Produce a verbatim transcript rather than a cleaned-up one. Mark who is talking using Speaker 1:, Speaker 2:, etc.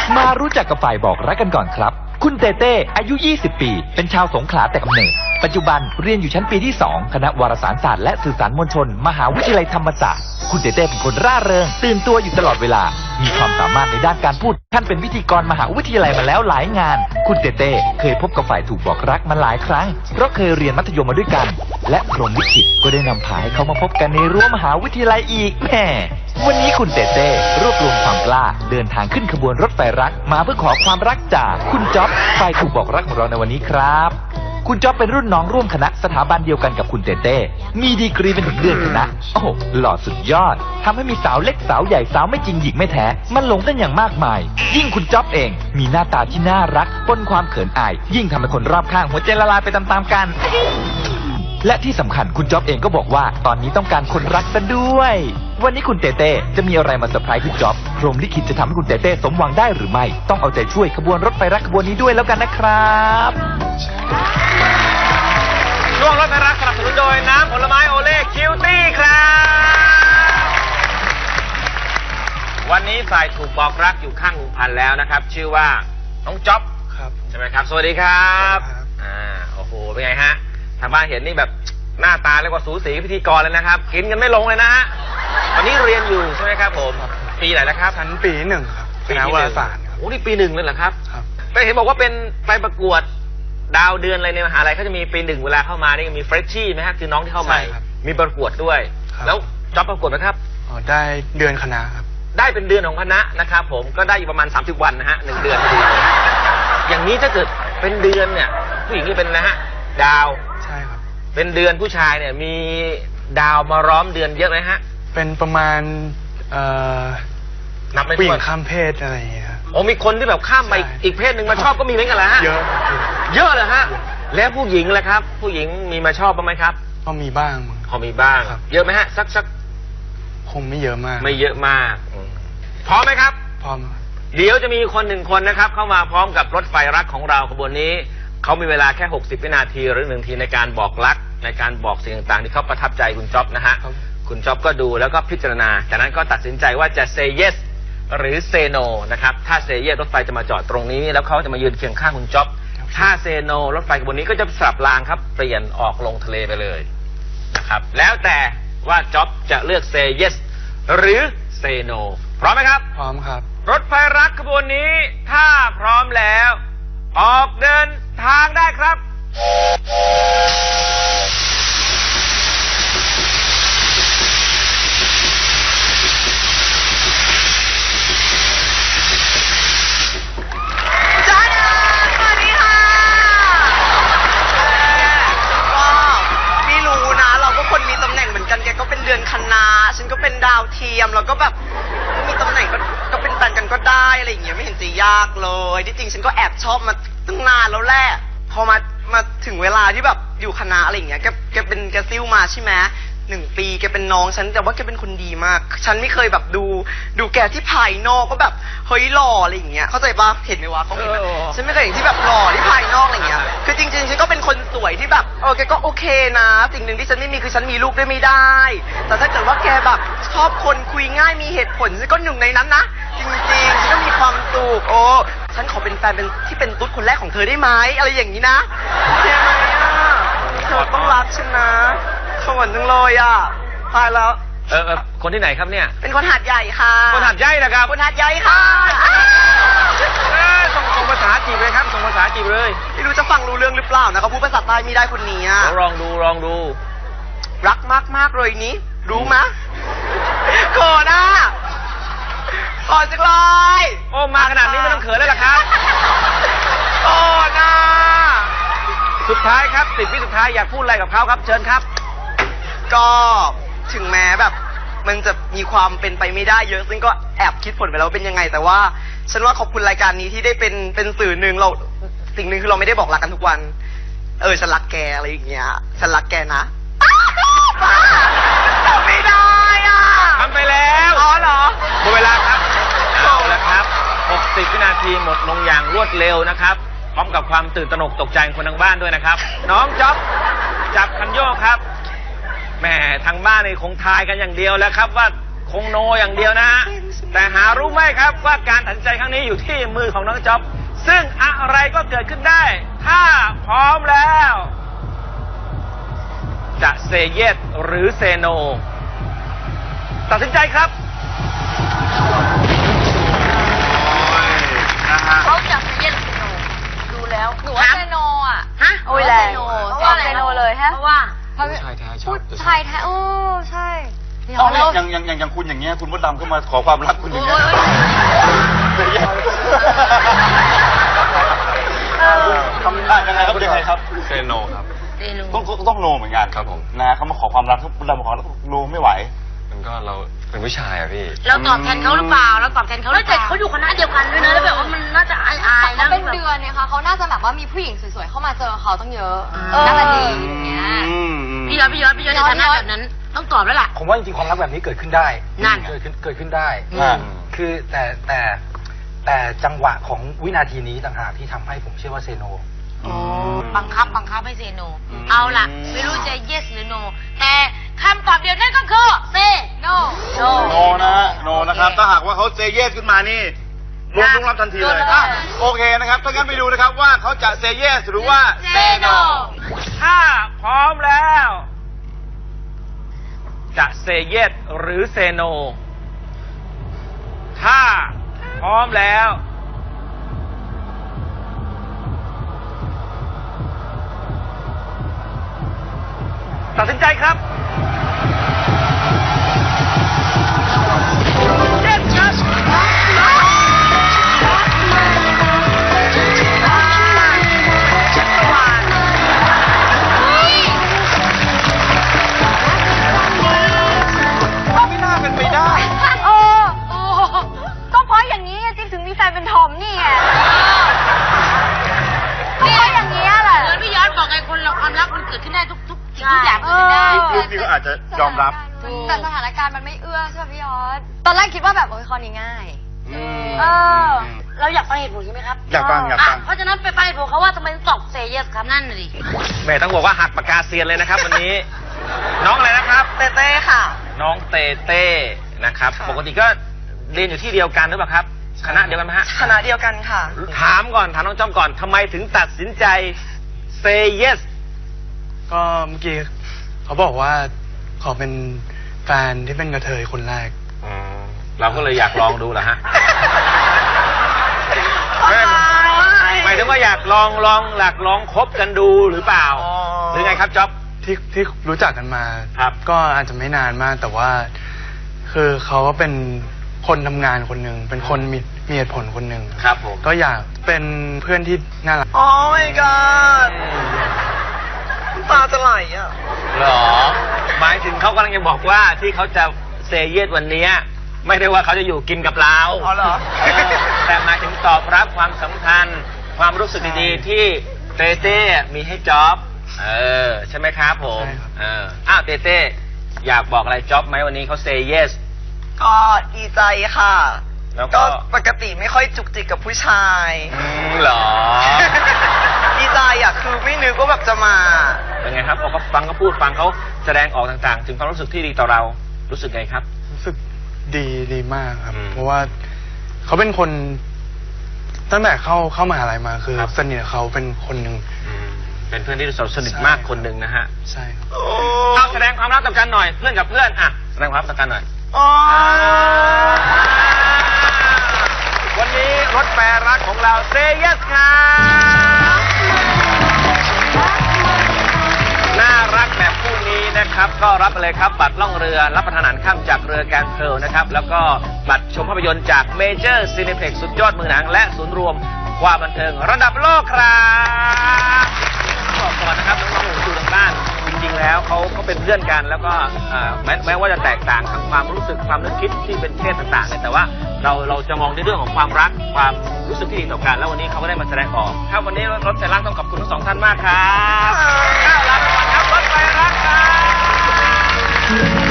Speaker 1: มารู้จักกับฝ่ายบอกรักกันก่อนครับคุณเต้เต้อายุยี่สิบปีเป็นชาวสงขลาแต่กำเนิดปัจจุบันเรียนอยู่ชั้นปีที่สองคณะวารสารศาสตร์และสื่อสารมวลชนมหาวิทยาลัยธรรมศาสตร์คุณเต้เต้เป็นคนร่าเริงตื่นตัวอยู่ตลอดเวลามีความสามารถในด้านการพูดท่านเป็นพิธีกรมหาวิทยาลัยมาแล้วหลายงานคุณเต้เต้เคยพบกับฝ่ายถูกบอกรักมาหลายครั้งเพราะเคยเรียนมัธยมมาด้วยกันและพรหมลิขิตก็ได้นำพาให้เขามาพบกันในรั้วมหาวิทยาลัยอีกแหมวันนี้คุณเต้เต้รวบรวมความกล้าเดินทางขึ้นขบวนรถไฟรักมาเพื่อขอความรักจากคุณจ๊อบฝ่ายถูกบอกรักของเราในวันนี้ครับคุณจ๊อบเป็นรุ่นน้องร่วมคณะสถาบันเดียวกันกับคุณเต้เต้มีดีกรีเป็นถึงเดือนคณะโอ้โหหล่อสุดยอดทำให้มีสาวเล็กสาวใหญ่สาวไม่จริงหญิงไม่แท้มันหลงกันอย่างมากมายยิ่งคุณจ๊อบเองมีหน้าตาที่น่ารักปนความเขินอายยิ่งทำให้คนรอบข้างหัวใจละลายไปตามๆกันและที่สำคัญคุณจ๊อบเองก็บอกว่าตอนนี้ต้องการคนรักซะด้วยวันนี้คุณเต้เต้จะมีอะไรมาเซอร์ไพรส์คุณจ๊อบพรหมลิขิตจะทำให้คุณเต้เต้สมหวังได้หรือไม่ต้องเอาใจช่วยขบวนรถไฟรักขบวนนี้ด้วยแล้วกันนะครับ
Speaker 2: ช่วงรถไฟรักสนับสนุนโดยน้ำผลไม้โอเล่คิวตี้ครับวันนี้ฝ่ายถูกบอกรักอยู่ข้างลุงพันธุ์แล้วนะครับชื่อว่าน้องจ๊อบ
Speaker 3: ครับ
Speaker 2: ใช่ไหมครับสวัสดีครับอ่าโอ้โหเป็นไงฮะทางบ้านเห็นนี่แบบหน้าตาเรียกว่าสูสีพิธีกรเลยนะครับกินกันไม่ลงเลยนะฮะตอนนี้เรียนอยู่ใช่ไหมครับผมปีไหนแล้วครับ
Speaker 3: ชั้นปีหนึ่งครับคณะวารสารครับ
Speaker 2: โอ้นี่ปีหนึ่งเลยเหรอครับ
Speaker 3: ครับ
Speaker 2: ไปเห็นบอกว่าเป็นไปประกวดดาวเดือนอะไรในมหาลัยเขาจะมีปีหนึ่งเวลาเข้ามานี่มีเฟรชชี่ไหมฮะคือน้องที่เข้าใหม่มีประกวดด้วยแล้วจ๊อบประกวดไหมครับ
Speaker 3: อ๋อได้เดือนคณะครับ
Speaker 2: ได้เป็นเดือนของคณะนะครับผมก็ได้อยู่ประมาณสามสิบวันนะฮะหนึ่งเดือนพอดีอย่างนี้ถ้าเกิดเป็นเดือนเนี่ยผู้หญิงนี่เป็นนะฮะดาว
Speaker 3: ใช่ครับ
Speaker 2: เป็นเดือนผู้ชายเนี่ยมีดาวมาล้อมเดือนเยอะไหมฮะ
Speaker 3: เป็นประมาณเอ่อ
Speaker 2: นับไม่ถ้วน
Speaker 3: ผู้หญิงข้ามเพศอะไรอย่างเงี้ยครับ
Speaker 2: โอ้มีคนที่แบบข้ามไปอีกเพศหนึ่งมาชอบก็มีเหมือนกันแหละฮะ
Speaker 3: เยอะ
Speaker 2: เยอะเลยฮะแล้วผู้หญิงล่ะครับผู้หญิงมีมาชอบบ้างไหมครับ
Speaker 3: ก็มีบ้าง
Speaker 2: พอมีบ้างเยอะไหมฮะสักสัก
Speaker 3: คงไม่เยอะมาก
Speaker 2: ไม่เยอะมากพร้อมไหมครับ
Speaker 3: พร้อม
Speaker 2: เดี๋ยวจะมีคนหนึ่งคนนะครับเข้ามาพร้อมกับรถไฟรักของเราขบวนนี้เขามีเวลาแค่หกสิบวินาทีหรือหนึ่งทีในการบอกรักในการบอกสิ่งต่างๆที่เขาประทับใจคุณจ๊อบนะฮะคุณจ๊อบก็ดูแล้วก็พิจารณาจากนั้นก็ตัดสินใจว่าจะ say yes หรือ say no นะครับถ้า say yes รถไฟจะมาจอดตรงนี้แล้วเขาจะมายืนเคียงข้างคุณจ๊อบถ้า say no รถไฟขบวนนี้ก็จะสลับรางครับเปลี่ยนออกลงทะเลไปเลยนะครับแล้วแต่ว่าจ๊อบจะเลือก say yes หรือ say no พร้อมไหมครับ
Speaker 3: พร้อมครับ
Speaker 2: รถไฟรักขบวนนี้ถ้าพร้อมแล้วออกเดินทางได้ครับ
Speaker 4: จ้าดาสวัสดีค่ะก็ไม่รู้นะเราก็คนมีตำแหน่งเหมือนกันแกก็เป็นเดือนคณะฉันก็เป็นดาวเทียมเราก็แบบมีตำแหน่งก็ก็เป็นแฟนกันก็ได้อะไรอย่างเงี้ยไม่เห็นจะยากเลยที่จริงฉันก็แอบชอบมาตั้งนานแล้วแหละพอมามาถึงเวลาที่แบบอยู่คณะอะไรอย่างเงี้ยแกแกเป็นแกซิ่วมาใช่ไหมหนึ่งปีแกเป็นน้องฉันแต่ว่าแกเป็นคนดีมากฉันไม่เคยแบบดูดูแกที่ภายนอกก็แบบเฮ้ยหล่ออะไรอย่างเงี้ยเข้าใจปะเห็นไหมวะเขาเห็นฉันไม่เคยเห็นที่แบบหล่อที่ภายนอกอะไรอย่างเงี้ยคือจริงๆฉันก็เป็นคนสวยที่แบบเออแกก็โอเคนะสิ่งหนึ่งที่ฉันไม่มีคือฉันมีลูกได้ไม่ได้แต่ถ้าเกิดว่าแกแบบชอบคนคุยง่ายมีเหตุผลฉันก็หนึ่งในนั้นนะจริงๆฉันก็มีความสุขโอ้ฉันขอเป็นแฟนเป็นที่เป็นตุ๊ดคนแรกของเธอได้ไหมอะไรอย่างนี้นะโอเคไหมอ่ะเธอต้องรักฉันนะสวรรค์จังเลยอ่ะตายแล้ว
Speaker 2: เออคนที่ไหนครับเนี่ย
Speaker 4: เป็นคนหาดใหญ่ค่ะ
Speaker 2: คนหาดใหญ่นะครับ
Speaker 4: คนหาดใหญ่ค่ะ
Speaker 2: ส่งส่งภาษาจีบเลยครับส่งภาษาจีบเลย
Speaker 4: ไม่รู้จะฟังรู้เรื่องหรือเปล่านะเขาพูดภาษาใต้ไม่ได้คนนี้อ่ะ
Speaker 2: ลองดูลองดู
Speaker 4: รักมากมากเลยนี้รู้มะโกรธอ่ะขอจังเลย
Speaker 2: โอ้มาขนาดนี้ไม่ต้องเขินแล้วล่ะครับ
Speaker 4: โอ้น่า
Speaker 2: สุดท้ายครับสิบวิสุดท้ายอยากพูดอะไรกับเขาครับเชิญครับ
Speaker 4: ก็ถึงแม้แบบมันจะมีความเป็นไปไม่ได้เยอะซึ่งก็แอบคิดผลไปแล้วเป็นยังไงแต่ว่าฉันว่าขอบคุณรายการนี้ที่ได้เป็นเป็นสื่อหนึ่งเราสิ่งหนึ่งคือเราไม่ได้บอกรักกันทุกวันเออฉันรักแกอะไรอย่างเงี้ยฉันรักแกนะทำไม่ได้อ่ะ
Speaker 2: ทำไปแล้ว
Speaker 4: อ๋อเหรอ
Speaker 2: หมดเวลาครับเอาละครับหกสิบวินาทีหมดลงอย่างรวดเร็วนะครับพร้อมกับความตื่นตระหนกตกใจคนทางบ้านด้วยนะครับน้องจ๊อบจับคันโยกครับแหมทางบ้านนี่คงทายกันอย่างเดียวแล้วครับว่าคงโนอย่างเดียวนะฮะแต่หารู้ไหมครับว่าการตัดสินใจครั้งนี้อยู่ที่มือของน้องจ๊อบซึ่งอะไรก็เกิดขึ้นได้ ถ้าพร้อมแล้ว จะเซเยสหรือเซโนตัดสินใจครับ
Speaker 3: นะฮะ
Speaker 5: เขาอยากเย็นเซโนดูแล้วหนูว่าเซโนอ่ะ
Speaker 6: ฮะ
Speaker 5: โอ้ยแรงเพราะว่าเซโนเลยฮะ
Speaker 6: เพราะว่า
Speaker 3: ผู้ชายแท้ชอบ
Speaker 5: ผู้ชายแท้โอ้ใช่
Speaker 7: อ๋ออย่างอย่างอย่างอย่างคุณอย่างเงี้ยคุณมดดำก็มาขอความรักคุณอย่างเงี้ยทำได้ยังไงครับยังไงครับ
Speaker 3: เซโนครับ
Speaker 6: เซโน
Speaker 7: ต้องต้องโนเหมือนกัน
Speaker 3: ครับผม
Speaker 7: นะเขามาขอความรักมดดำมาขอแล้วโนไม่ไหว
Speaker 3: มันก็เราเป็นผู้ชายอะพี่
Speaker 6: เราตอบแทนเขาหรือเปล่าเราตอบแทนเขาหรือเปล่าเขาอยู่คณะเดียวกันด้วยนะแล้วแบบว่ามันน่าจะอายอายๆนะ
Speaker 5: เขาเป็นเดือนเนี่ยค่ะเขาน่าจะแบบว่ามีผู้หญิงสวยๆเข้ามาเจอเขาตั้งเยอะน่าจะดีอย่างเงี้ย
Speaker 7: อืมอืม
Speaker 6: พี่ยอดพี่ยอดพี่ยอดในฐานะแบบนั้น ต้องตอบแล้วล่ะ
Speaker 8: ผมว่าจริงๆความรักแบบนี้เกิดขึ้นได้
Speaker 6: นั่น
Speaker 8: เกิดขึ้นเกิดขึ้นได้
Speaker 7: อ่า
Speaker 8: คือแต่แต่แต่จังหวะของวินาทีนี้ต่างหากที่ทำให้ผมเชื่อว่าเซโน
Speaker 6: บังคับบังคับให้เซโน เอาล่ะ ไม่รู้จะ yes หรือ no แต่คำตอบเดียวนั่นก็คือ say no no
Speaker 7: โนนะฮะโนนะครับถ้าหากว่าเขาเซเยสขึ้นมานี่ลงลงรับทันทีเลยอ่ะโอเคนะครับถ้างั้นไปดูนะครับว่าเขาจะเซเยสหรือว่า
Speaker 6: say no
Speaker 2: ถ้าพร้อมแล้ว จะเซเยสหรือเซโน ถ้าพร้อมแล้ว ตัดสินใจครับ Yes ครับ
Speaker 7: ไม่น่าเป็นไปได้
Speaker 5: โอ้โอ้ก็เพราะอย่างนี้จิ๊บถึงมีแฟนเป็นทอมนี่ไงก็เพราะอย่างนี้ยแหละ
Speaker 6: เหมือนพี่ยอดบอกไงคนเราความรักมันเกิดขึ้นได้ทุกทุกสิ่งทุกอย่างเกิดขึ้นได้
Speaker 7: คือพี่ก็อาจจะยอมรับ
Speaker 5: แต่สถานการณ์มันไม่เอื้อใช่ไหมพี่ยอดตอนแรกคิดว่าแบบโอ้ยข้อนี้ง่าย
Speaker 7: อืม
Speaker 5: เออ
Speaker 6: เราอยากฟังเหตุผลใช่ไหมครับ
Speaker 7: อยากฟังอยากฟัง
Speaker 6: ะเพราะฉะนั้นไปฟังเหตุผลเขาว่าทำไมถึงตอบ say yes ครับนั่นน่ะดิ
Speaker 2: แม่ต้องบอกว่าหักปากกาเซียนเลยนะครับวันนี้ น้องอะไรนะครับ
Speaker 4: เต้เต้ค่ะ
Speaker 2: น้องเตเต้นะครับ
Speaker 4: ค่ะ
Speaker 2: ปกติก็เรียนอยู่ที่เดียวกันหรือเปล่าครับ คณะเดียวกันไหมฮะ
Speaker 4: คณะเดียวกันค่ะ
Speaker 2: ถามก่อนถามน้องจอมก่อนทำไมถึงตัดสินใจ say yes
Speaker 3: ก็เมื่อกี้เขาบอกว่าขอเป็นแฟนที่เป็นกระเทยคนแรก
Speaker 2: เราก็เลยอยากลองดูแหละฮะไม่หมายถึงว่าอยากลองลองหลักลองคบกันดูหรือเปล่า
Speaker 4: อ๋อ
Speaker 2: หรือไงครับจ๊อบ
Speaker 3: ที่ที่รู้จักกันมา
Speaker 2: ครับ
Speaker 3: ก็อาจจะไม่นานมากแต่ว่า คือเขาก็เป็นคนทำงานคนหนึ่งเป็นคนมีมีเหตุผลคนหนึ่ง
Speaker 2: ครับผม
Speaker 3: ก็อยากเป็นเพื่อนที่น่ารัก
Speaker 4: โอ้ my god ตาจะไหลอ่ะ
Speaker 2: เหรอ หมายถึงเขากำลังจะบอกว่าที่เขาจะเซเยสวันนี้ไม่ได้ว่าเขาจะอยู่กินกับเรา
Speaker 4: อ๋อเหรอ
Speaker 2: เออแต่หมายถึงตอบรับความสำคัญ ความรู้สึกดีๆที่เต้เต้มีให้จ๊อบ เออ ใช่ไหมครับผม
Speaker 3: ใช่ครับ
Speaker 2: เอออ้าวเต้เต้อยากบอกอะไรจ๊อบไหมวันนี้เขาเซเยส
Speaker 4: ก็ดีใจค่ะ
Speaker 2: แล้วก็
Speaker 4: ก็ปกติไม่ค่อยจุกจิกกับผู้ชาย
Speaker 2: อืมเหรอ
Speaker 4: ดีใจอ่ะ คือไม่นึกว่าแบบจะมา
Speaker 2: เป็นไงครับพอเขาฟังเขาพูดฟังเขาแสดงออกต่างๆ ถึงความรู้สึกที่ดีต่อเรารู้สึกไงครับ
Speaker 3: รู้สึกดีดีมากครับ
Speaker 2: อืม
Speaker 3: เพราะว่าเขาเป็นคน ตั้งแต่เข้าเข้ามหาลัยมาคือ
Speaker 2: ครับ
Speaker 3: สนิทกับเขาเป็นคนหนึ่ง
Speaker 2: เป็นเพื่อนที่เราสนิทมากคนหนึ่งนะฮะ
Speaker 3: ใช่ครับ
Speaker 2: เอาแสดงความรักต่อกันหน่อยเพื่อนกับเพื่อนอ่ะแสดงความรักต่อกันหน่อย
Speaker 4: อ๋อ
Speaker 2: วันนี้รถแปรรักของเราเซเยสครับน่ารักแบบคู่นี้นะครับ ก็รับไปเลยครับ บัตรล่องเรือรับประทานอาหารค่ำจากเรือแกรนด์เพร์ลนะครับ แล้วก็บัตรชมภาพยนตร์จากเมเจอร์ซีนิเพล็กซ์สุดยอดมือหนัง และศูนย์รวมความบันเทิงระดับโลกครับบอกก่อนนะครับน้องๆหนูดูทางบ้านจริงๆแล้วเขาเขาเป็นเพื่อนกัน แล้วก็อ่าแม้แม้ว่าจะแตกต่างทางความรู้สึกความนึกคิดที่เป็นเพศต่างๆเนี่ยแต่ว่าเราเราจะมองในเรื่องของความรักความรู้สึกที่ดีต่อกัน แล้ววันนี้เขาก็ได้มาแสดงออกครับวันนี้รถไฟรักต้องขอบคุณทั้งสองท่านมากครับก้าวลาไปก่อนครับรถไฟรักครับ